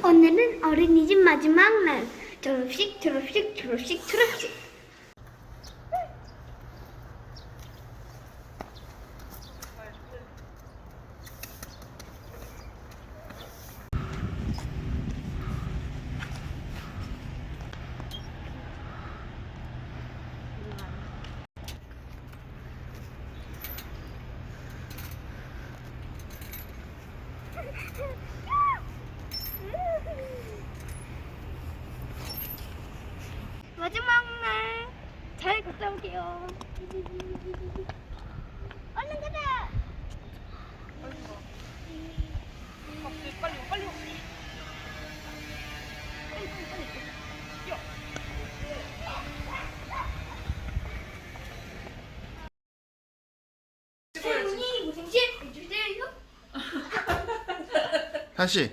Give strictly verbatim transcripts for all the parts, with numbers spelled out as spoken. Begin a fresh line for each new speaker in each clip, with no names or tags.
오늘은 어린이집 마지막 날. 졸업식, 졸업식, 졸업식, 졸업식. 마지막 날 잘 갔다 올게요. 얼른 가자.
빨리 빨리 빨리.
할머니 무생채 해주세요.
다시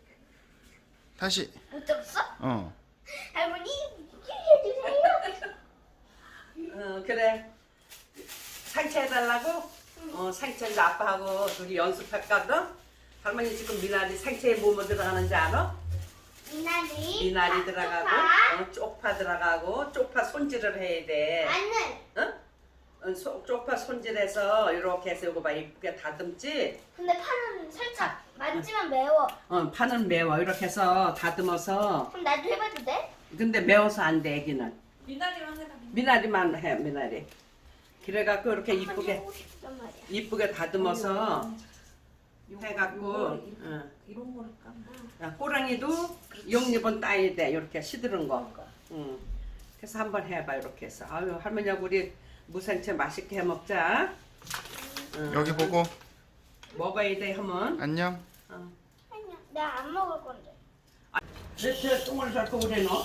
다시
못 들었어?
어
할머니 무생채 해주세요.
어 그래. 상체 해달라고? 어 상체는 아빠하고 둘이 연습할까거든. 할머니 지금 미나리 상체에 뭐뭐 들어가는지 알아?
미나리.
미나리 들어가고,
쪽파,
어, 쪽파 들어가고, 쪽파 손질을 해야 돼.
마늘.
응? 어, 소- 쪽파 손질해서 이렇게 해서 이거 봐 이쁘게 다듬지.
근데 파는 살짝 만지면 매워.
어 파는 매워 이렇게 해서 다듬어서.
그럼 나도 해봐도 돼?
근데 매워서 안 돼 애기는.
미나리만 해라.
미나리만 해 미나리. 그래갖고 이렇게 이쁘게
하고 싶단 말이야.
이쁘게 다듬어서 해갖고.
요거
응.
이런 거를 까면.
야, 꼬랑이도 용잎은 따야 돼 이렇게 시드른 거. 응. 그래서 한번 해봐 이렇게 해서. 아유 할머니하고 우리 무생채 맛있게 해 먹자. 응.
여기 보고
먹어야 돼 하면.
안녕.
어.
아니야, 나 안 먹을 건데.
내 똥을 잡고 그래 너.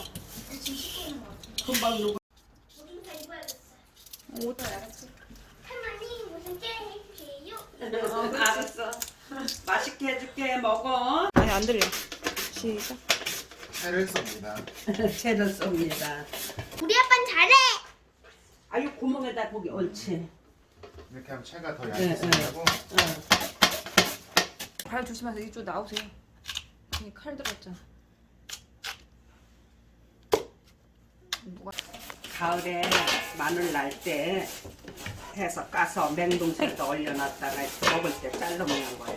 금방 누구?
우리 다 입어야겠어.
옷도 알았지.
할머니 무생채 해주세요.
어, 알았어. 맛있게 해줄게 먹어.
아니 안 들려. 시작.
해를 쏩니다.
채를 쏩니다.
우리 아빠는 잘해.
아유 구멍에다 고기 옳지.
이렇게 하면 채가 더
네,
얇아지고
어.
발 조심하세요. 이쪽 나오세요. 이 칼 들었잖아. 누가?
가을에 마늘 날 때 해서 까서 냉동실에 얼려놨다가 먹을 때 잘라 먹는 거야.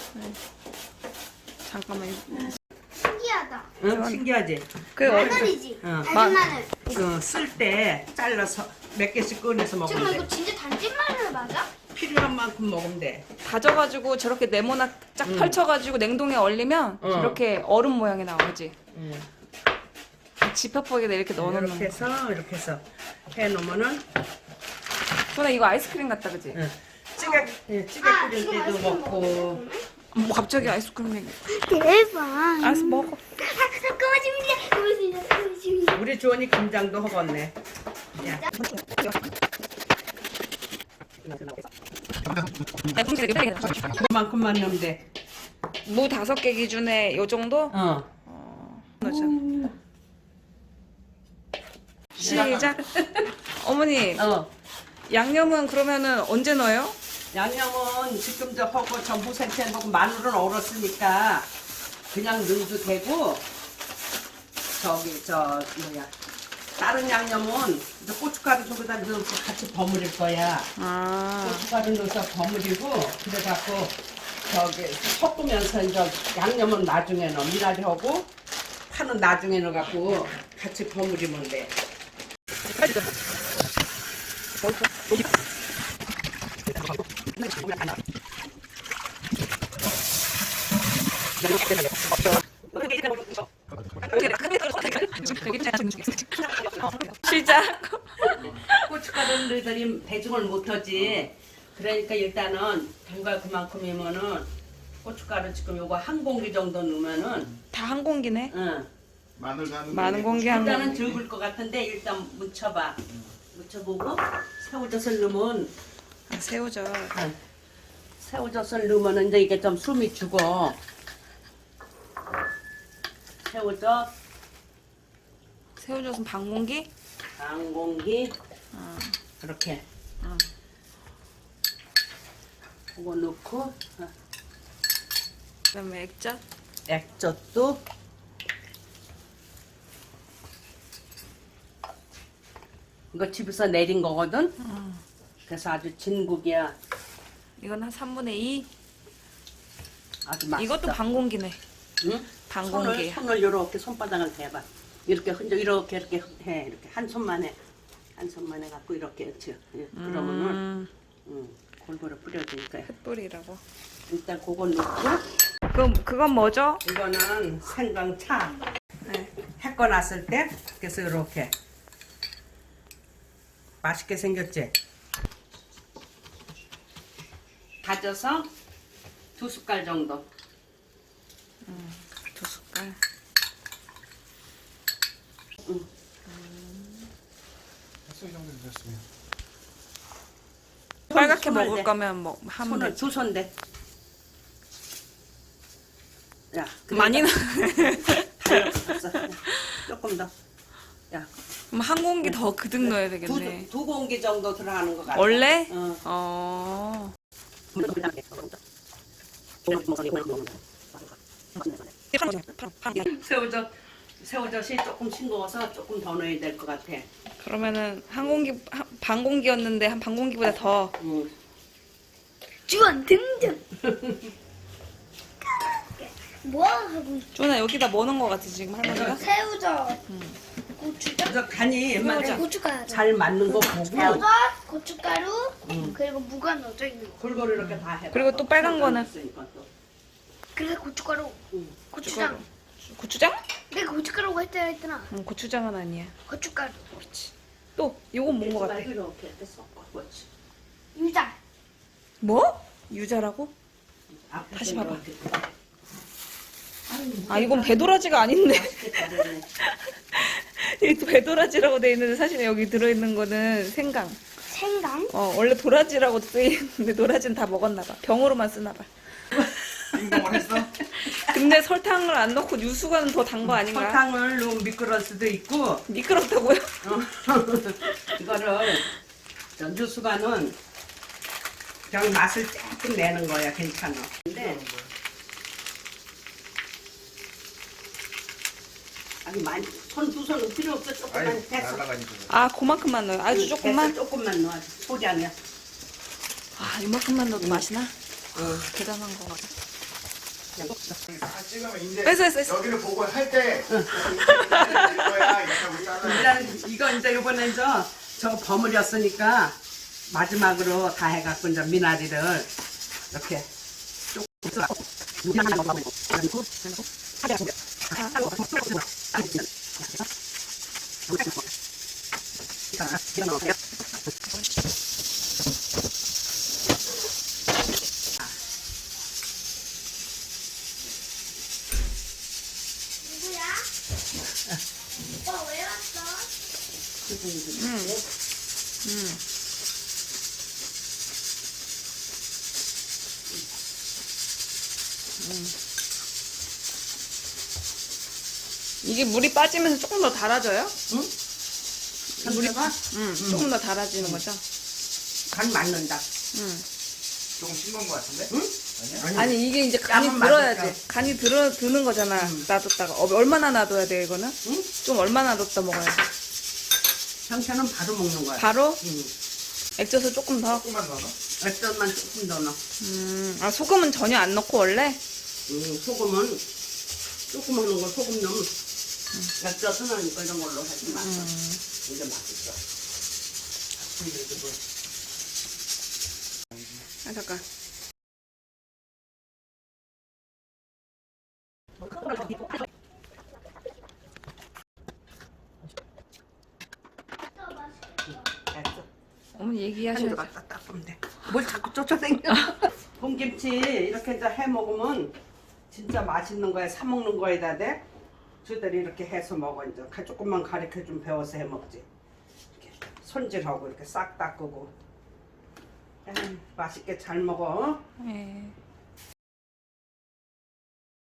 잠깐만.
신기하다.
응, 신기하지?
그 어,
마늘이지.
응.
다진 마늘.
그 쓸 때 잘라서 몇 개씩 꺼내서 먹으면
잠깐만
돼.
이거 진짜 단진 마늘 맞아?
필요한 만큼 먹으면 돼.
다져가지고 저렇게 네모나 쫙
응.
펼쳐가지고 냉동에 얼리면
어.
저렇게 얼음 모양이 나오지.
응.
지퍼포기에다 이렇게 넣어놓는
이렇게
거.
해서 이렇게 해서 해놓으면은
소나 이거 아이스크림 같다 그지?
응. 찌개 예, 찌개
아,
끓일
지금
때도
아이스크림
먹고.
먹었어.
뭐 갑자기 아이스크림 얘기.
대박.
알았어 먹어.
아, 고맙습니다. 고맙습니다. 고맙습니다.
우리 주원이 김장도 허겄네. 야. 그만큼만 넣으면 돼.
무 다섯 개 기준에 요 정도?
어.
넣자. 시작. 어머니
어.
양념은 그러면은 언제 넣어요?
양념은 지금 저 하고 전부 생채 먹고 마늘은 얼었으니까 그냥 넣어도 되고 저기 저 뭐야 다른 양념은 이제 고춧가루 저기다 넣어서 같이 버무릴 거야.
아.
고춧가루 넣어서 버무리고 그래갖고 저기 섞으면서 이제 양념은 나중에 넣어 미나리하고 파는 나중에 넣어갖고 같이 버무리면 돼.
시작.
고춧가루를 넣으더니 배중을 못하지. 그러니까 일단은 담가 그만큼이면은 고춧가루 지금 요거 한 공기 정도 넣으면은
다 한 공기네.
응.
마늘도 한
많은 공기 한
일단은
공기.
적을 것 같은데 일단 묻혀봐. 묻혀보고 새우젓을 넣으면
아, 새우젓.
응. 새우젓을 넣으면 이제 이게 좀 숨이 죽어. 새우젓
새우젓은 반 공기?
반 공기
어.
이렇게.
어.
그거 넣고 어.
그다음에 액젓.
액젓도 이거 집에서 내린 거거든.
음.
그래서 아주 진국이야.
이건 한 삼분의 이.
아주 맛있어.
이것도 반공기네.
응?
반
손을,
공기야.
손을 이렇게 손바닥을 대봐. 이렇게 흔적 이렇게 이렇게 해. 이렇게 한 손만 해. 한 손만 해갖고 이렇게 이렇게. 예, 그러면은
음,
응, 골고루 뿌려주니까.
햇불이라고.
일단 그건 넣고
그럼 그건 뭐죠?
이거는 생강차.
네.
햇거 났을 때 그래서 이렇게 맛있게 생겼지. 다져서 두 숟갈 정도.
두 숟갈.
햇소 이 정도 드셨으면.
빨갛게
손을
먹을
대.
거면 뭐 하면
손을
되지.
두 손 대. 야,
많이 나.
달렸어. 조금 더. 야,
그럼 한 공기 더 그득 넣어야 되겠네.
두, 두 공기 정도 들어가는 것 같아.
원래?
어.
어.
새우젓, 새우젓이 조금 싱거워서 조금 더 넣어야 될 것 같아.
그러면은 한 공기 한, 반 공기였는데 한 반 공기보다 더.
응.
주원 등등. 뭐 하고 있어?
조나 여기다 뭐 넣은 거 같아 지금 할머니가?
새우젓, 고추장,
그래서 간이
네, 고춧가루,
잘 맞는 거 보고
새우젓, 고춧가루,
응.
그리고 무가 넣어져 있는 거.
골고루 이렇게 다 해.
그리고 또 빨간 거는?
그래서 고춧가루,
응.
고추장.
고추장?
내가 고춧가루가 했잖아 했잖아.
응, 고추장은 아니야.
고춧가루,
또 이건 뭔 거 같아?
이렇게 이렇게 섞어. 그렇지.
유자.
뭐? 유자라고?
앞에서
다시 봐봐.
이렇게.
아 이건 배도라지가 아닌데.
맛있겠다, 그러네.
이게 배도라지라고 돼 있는데 사실 여기 들어있는 거는 생강.
생강.
어 원래 도라지라고 돼 있는데 도라지는 다 먹었나 봐. 병으로만 쓰나 봐.
행동을 했어?
근데 설탕을 안 넣고 유수가는 더 단 거 아닌가?
설탕을 넣으면 미끄러울 수도 있고
미끄럽다고요?
어. 이거를 저 유수가는 그냥 맛을 조금 내는 거야. 괜찮아. 근데 아니 많이 손 두 손은 필요 없어. 조금만
아이
됐어.
날라가니까.
아 그만큼만 넣어요. 아주
됐어,
조금만.
조금만 넣어. 소량이야.
아 이만큼만 넣어도 맛이 나?
어.
대단한 거 같아.
그냥
다 찍으면 이제
했어, 했어, 했어.
여기를 보고 할 때 이거야 이렇게 우리 딸은
일단 이거 이제 이번에 이제 저거 버무렸으니까 마지막으로 다 해갖고 이제 미나리를 이렇게
누구야? 오빠 왜 왔어?
음. 이게 물이 빠지면서 조금 더 달아져요?
응? 물이가
응. 조금 더 달아지는 거죠?
간 맞는다.
응.
조금 싱거운 것 같은데?
응?
아니야?
아니 이게 이제 간이
땀은
들어야지.
맞을까?
간이 들어 드는 거잖아. 놔뒀다가 어, 얼마나 놔둬야 돼 이거는?
응?
좀 얼마나 놔뒀다 먹어야 돼?
형태는 바로 먹는 거야.
바로
응.
액젓을 조금 더.
조금만 더 넣어?
액젓만 조금 더 넣어.
음. 아 소금은 전혀 안 넣고 원래?
응, 소금은 조금 하는 거 소금 넣으면 액젓은 이거 이런 걸로 하지 마. 이게 맛있어.
아 잠깐.
액젓.
어머니
한
얘기하셔야지.
조각 딱 닦으면 돼. 뭘 자꾸 쫓아다녀. 봄김치 이렇게 이제 해 먹으면 진짜 맛있는 거야. 사 먹는 거에다 대 저들이 이렇게 해서 먹어. 이제 가- 조금만 가르쳐 좀 배워서 해 먹지. 이렇게 손질하고 이렇게 싹 닦고. 에이, 맛있게 잘 먹어.
네.